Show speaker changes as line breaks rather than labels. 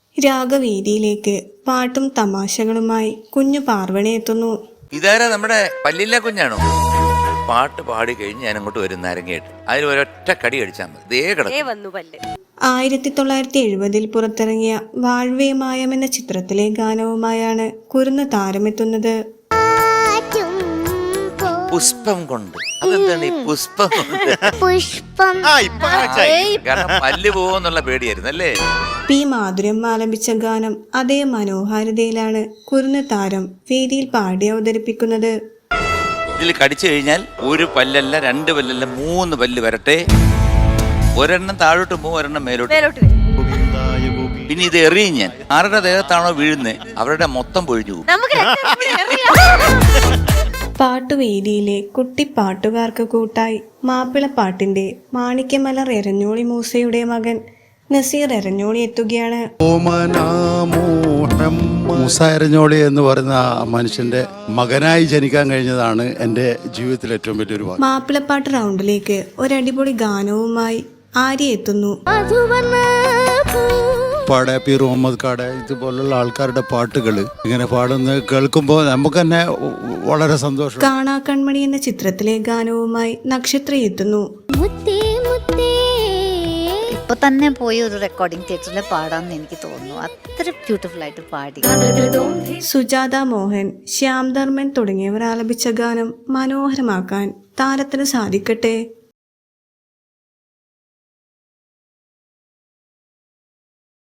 രാഗവേദിയിലേക്ക് പാട്ടും തമാശകളുമായി കുഞ്ഞു പാർവണി എത്തുന്നു.
ഇതാരാ നമ്മുടെ പല്ലില്ല കുഞ്ഞാണോ? പാട്ട് പാടി കഴിഞ്ഞ് ഞാൻ അങ്ങോട്ട് വരും നാരങ്ങയായിട്ട്. അതിൽ ഒരൊറ്റ കടി അടിച്ചാൽ മതി.
1970 പുറത്തിറങ്ങിയ വാഴ്വേ മായം എന്ന ചിത്രത്തിലെ ഗാനവുമായാണ് കുരുന്ന് താരമെത്തുന്നത്.
പുഷ്പം കൊണ്ട്. അതെന്താണ് ഈ പുഷ്പം കൊണ്ട്? കാരണം പല്ല് പോകുന്നുള്ള പേടിയായിരുന്നു അല്ലേ?
പി മാധുര്യം ആലപിച്ച ഗാനം അതേ മനോഹാരിതയിലാണ് കുരുന്ന് താരം വേദിയിൽ പാടി അവതരിപ്പിക്കുന്നത്.
ഇതിൽ കടിച്ചു കഴിഞ്ഞാൽ ഒരു പല്ലല്ല, 2 പല്ലല്ല, 3 പല്ല് വരട്ടെ. ഒരെണ്ണം താഴോട്ട് പോകും, ഒരെണ്ണം മേലോട്ട്. പിന്നെ ഇത് എറിയും ഞാൻ. ആരുടെ ദേഹത്താണോ വീഴുന്നത് അവരുടെ മൊത്തം പൊഴിഞ്ഞു പോകും.
പാട്ടുവേദിയിലെ കുട്ടിപ്പാട്ടുകാർക്ക് കൂട്ടായി മാപ്പിളപ്പാട്ടിന്റെ മാണിക്യമലർ എരഞ്ഞോളി മൂസയുടെ മകൻ നസീർ എരഞ്ഞോളി എത്തുകയാണ്.
മൂസ എരഞ്ഞോളി എന്ന് പറയുന്ന മനുഷ്യന്റെ മകനായി ജനിക്കാൻ കഴിഞ്ഞതാണ് എൻ്റെ ജീവിതത്തിലെ ഏറ്റവും വലിയൊരു ഭാഗ്യം.
മാപ്പിളപ്പാട്ട് റൗണ്ടിലേക്ക് ഒരടിപൊളി ഗാനവുമായി ആര്യ എത്തുന്നു.
പാടെ പീർ മുഹമ്മദ് കാടെ ഇതുപോലുള്ള ആൾക്കാരുടെ പാട്ടുകൾ ഇങ്ങനെ പാടുന്നത് കേൾക്കുമ്പോൾ നമുക്ക് തന്നെ വളരെ സന്തോഷം.
കാണാ കൺമണി എന്ന ചിത്രത്തിലെ ഗാനവുമായി നക്ഷത്ര എത്തുന്നു.
ഇപ്പൊ തന്നെ പോയി ഒരു റെക്കോർഡിംഗ് തിയേറ്ററിൽ പാടാമെന്ന് എനിക്ക് തോന്നുന്നു. അത്ര ബ്യൂട്ടിഫുൾ ആയിട്ട് പാടി.
സുജാത മോഹൻ, ശ്യാം ധർമ്മൻ തുടങ്ങിയവർ ആലപിച്ച ഗാനം മനോഹരമാക്കാൻ താരത്തിന് സാധിക്കട്ടെ.